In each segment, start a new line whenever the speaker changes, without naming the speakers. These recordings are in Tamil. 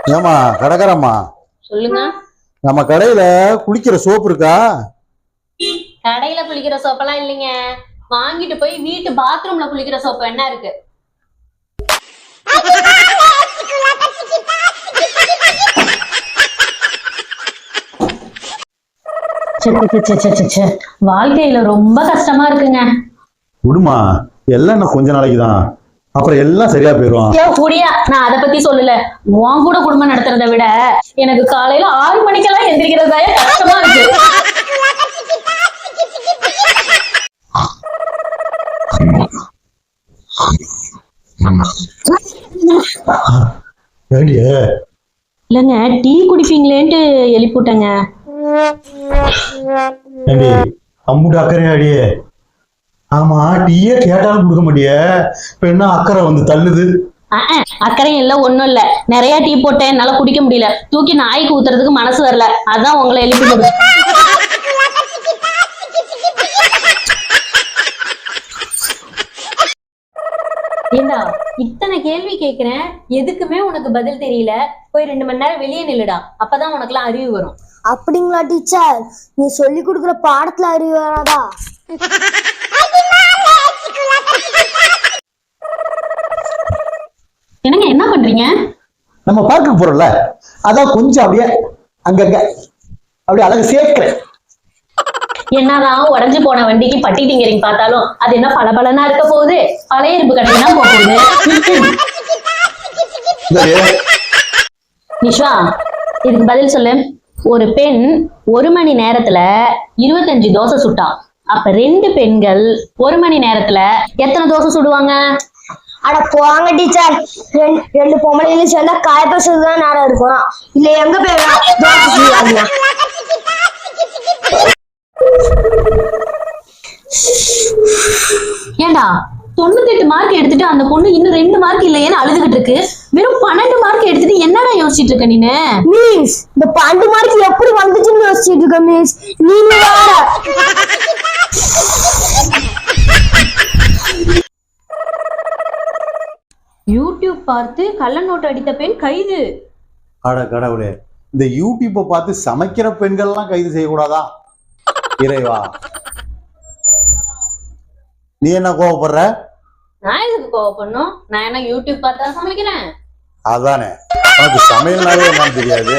ஏமா கடைக்காரம்மா,
சொல்லுங்க.
நம்ம கடையில குளிக்கிற சோப்பு இருக்கா?
கடையில குளிக்கிற சோப்பெல்லாம் இல்லைங்க. வாங்கிட்டு போய் வீட்டு பாத்ரூம்ல குளிக்கிற சோப்பு என்ன இருக்கு? வாழ்க்கையில ரொம்ப கஷ்டமா இருக்குங்க.
விடுமா, எல்லாம் இன்னும் கொஞ்ச நாளைக்கு தான், அப்புறம் எல்லாம் சரியா போயிடும்.
கூடியா, நான் அதை பத்தி சொல்லல. உன் கூட குடும்பம் நடத்துறதை விட எனக்கு காலையில 6 மணிக்கெல்லாம் எந்திரிக்கிறதா கஷ்டமா இருக்கு. இல்லங்க, டீ குடிப்பீங்களேன்ட்டு எழுப்பிட்டேங்க.
அம்முட்டு அக்கறையாடியே. ஆமா, டீயே கேட்டாலும் கொடுக்க மாட்டிய, இப்ப என்ன அக்கறை வந்து தள்ளுது?
அக்கறையும் இல்ல, ஒண்ணும் இல்ல. நிறைய டீ போட்டேன், என்னால குடிக்க முடியல. தூக்கி நாய்க்கு ஊத்துறதுக்கு மனசு வரல, அதான் உங்களை எழுப்பி போடு. ஏண்டா இத்தனை கேள்வி கேக்குறேன், எதுக்குமே உனக்கு பதில் தெரியல. போய் 2 மணி நேரம் வெளியே நில்லுடா, அப்பதான் உனக்கு எல்லாம் அறிவு வரும்.
அப்படிங்களா டீச்சர்? நீ சொல்லி கொடுக்குற பாடத்துல அறிவு வராதா?
என்னங்க என்ன பண்றீங்க?
நம்ம பார்க்க போறோம்ல, அதான் கொஞ்சம் அப்படியே அங்கங்க அப்படியே அழகு சேர்க்கிறேன்.
என்னதான் உடஞ்சு போன வண்டிக்கு பட்டி டிங்கரிங் பார்த்தாலும் அது என்ன பளபளனா இருக்க போகுது? பழைய இரும்பு கடைக்கு தான் போகுது. நிஷ்வா, இதுக்கு பதில் சொல்லு. ஒரு பெண் 1 மணி நேரத்துல 25 தோசை சுட்டா. அப்ப 2 பெண்கள் 1 மணி நேரத்துல எத்தனை தோசை சுடுவாங்க?
அட போங்க டீச்சர், 2 பொம்பளைகளும் சேர்ந்தா காய பேசுறதுதான் நேரம் இருக்கும். இல்ல எங்க போய்
ஏண்டா 98 மார்க் எடுத்துட்டு அந்த பொண்ணு இன்னும் 2 மார்க் இல்லையேன்னு அழுதுகிட்டு இருக்கு. வெறும் 12 மார்க் எடுத்துட்டு என்னடா யோசிச்சுட்டு இருக்க நீனு?
மிஸ், இந்த 12 மார்க் எப்படி வந்துச்சுன்னு யோசிச்சுட்டு இருக்க மிஸ். நீங்க
யூடியூப் பார்த்து கள்ள நோட்டு அடித்த பெண் கைது.
அட கடவுளே, இந்த யூடியூப்பை பார்த்து சமைக்கிற பெண்கள்லாம் கைது செய்யக்கூடாதா? இறைவா, நீ என்ன கோவப்படுற?
நான் எதுக்கு கோவப்படணும்? நான் என்ன யூடியூப் பார்த்தா சமைக்கிறேன்?
அதானே, உனக்கு சமையல்னாலே என்னன்னு தெரியாது.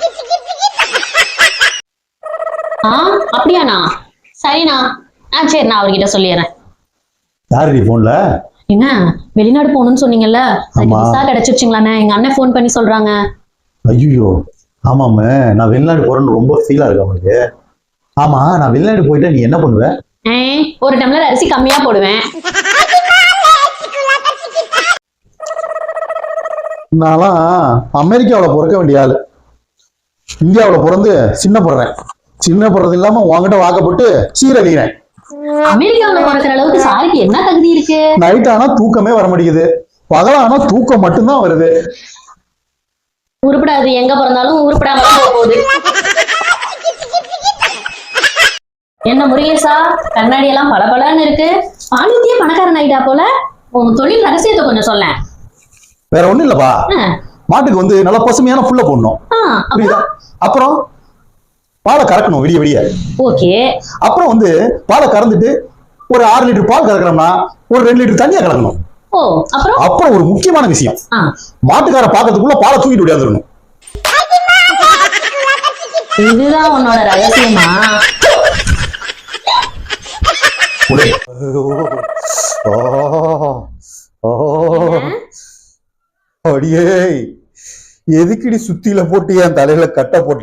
அப்படியாண்ணா? சரிண்ணா. சரி, நான் அவர்கிட்ட சொல்லிடுறேன்.
யாரு நீ போன்ல?
என்ன வெளிநாடு போகணும்னு சொன்னீங்கல்ல, விசா கிடைச்சிருச்சுங்களாண்ணே? எங்க அண்ணன் போன் பண்ணி சொல்றாங்க.
ஐயோ, ஆமாமே, நான் வெளிநாடு போறேன்னு ரொம்ப ஃபீலா இருக்கு அவனுக்கு. ஆமா, நான் வெளிநாடு போயிட்டா நீ என்ன பண்ணுவ?
ஒரு டம்ளர் அரிசி கம்மியா போடுவேன்.
நான்லாம் அமெரிக்காவில் பிறக்க வேண்டிய ஆளு, இந்தியாவில் பிறந்து சின்ன போடுறது இல்லாம உங்ககிட்ட வாக்கப்பட்டு சீரழிகிறேன்.
அமெரிக்காவில் பிறக்கிற அளவுக்கு சாரிக்கு என்ன தகுதி இருக்கு?
நைட் ஆனா தூக்கமே வர மாட்டேங்குது, பகலானா தூக்கம் மட்டும்தான் வருது.
உருப்படாது, எங்க பிறந்தாலும் உருப்படாம போகுது. என்ன முருகேசா, கண்ணாடி எல்லாம் பளபளன்னு இருக்கு. பாலித்தியே பணக்காரன் ஆயிட்டா போல. உன் தொழில் ரகசியத்தை கொஞ்சம் சொல்ல.
வேற ஒண்ணும் இல்லப்பா, மாட்டுக்கு வந்து நல்லா பசுமையான புல்ல போடணும். அப்புறம் பாலை கறக்கணும் விடிய விடிய.
ஓகே.
அப்புறம் வந்து பாலை கறந்துட்டு ஒரு 6 லிட்டர் பால் கறக்கணும்னா ஒரு 2 லிட்டர் தண்ணியா கலக்கணும். அப்புறம் ஒரு முக்கியமான விஷயம், மாட்டுக்கார பாக்கிறதுக்குள்ள பாலை தூக்கிட்டு விடாதுடணும்.
இதுதான் உன்னோட ரகசியமா?
அடியே, எதுக்குடி சுத்தியில போட்டு என் தலையில கட்ட போட்ட?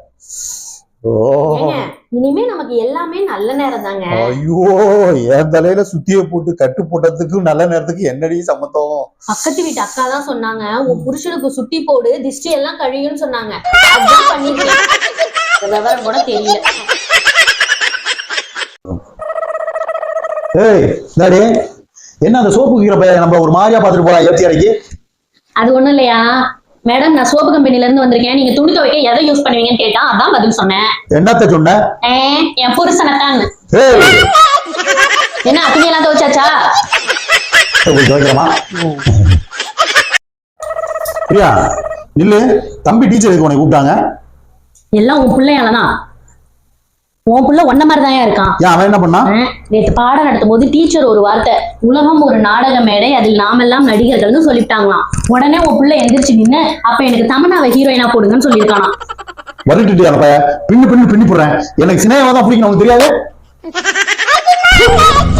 இனிமே நமக்கு எல்லாமே நல்ல நேரம் தாங்க.
ஐயோ, என் தலையில சுத்திய போட்டு கட்டு போட்டதுக்கு நல்ல நேரத்துக்கு என்னடி சம்மந்தம்?
பக்கத்து வீட்டு அக்கா தான் சொன்னாங்க, உன் புருஷனுக்கு சுத்தி போடு, திஷ்டி எல்லாம் கழியும்னு சொன்னாங்க. அதான் பண்ணிருக்கேன். விவரம் கூட தெரியல.
ஏய் டாடி, என்ன அந்த சோப்பு விக்கிற பையன் நம்ம ஒரு மாதிரியா பாத்துட்டு போலாம் ஏத்தி அடைக்கி?
அது ஒண்ணும் இல்லையா மேடம், நான் சோப்பு கம்பெனில இருந்து வந்திருக்கேன். நீங்க துணி துவைக்க எதை யூஸ் பண்ணுவீங்கன்னு கேட்டா அதான் பதில் சொன்னேன்.
என்னத்த சொன்ன?
என் புருஷனைத்தான். என்ன துணி எல்லாம் துவைச்சாச்சா?
பிரியா, நில்லு. தம்பி டீச்சர் எதுக்கு உன்னை கூப்பிட்டாங்க?
எல்லாம் உன் பிள்ளையாலதான். உன் புள்ள ஒன்ன மாதிரிதான் இருக்கான்.
ஏன் அவன் என்ன பண்ணா?
நேற்று பாடம் நடத்தும் போது டீச்சர் ஒரு வார்த்தை, உலகம் ஒரு நாடக மேடை, அதில் நாமெல்லாம் நடிகர்கள்னு சொல்லிட்டாங்களாம். உடனே உன் புள்ள எந்திரிச்சு நின்னு, அப்ப எனக்கு தமன்னாவை ஹீரோயினா போடுங்கன்னு சொல்லியிருக்கானா.
வரட்டுட்டியா பின்னு போடுறேன். எனக்கு சினிமாவை தான் பிடிக்கணும், உனக்கு தெரியாது?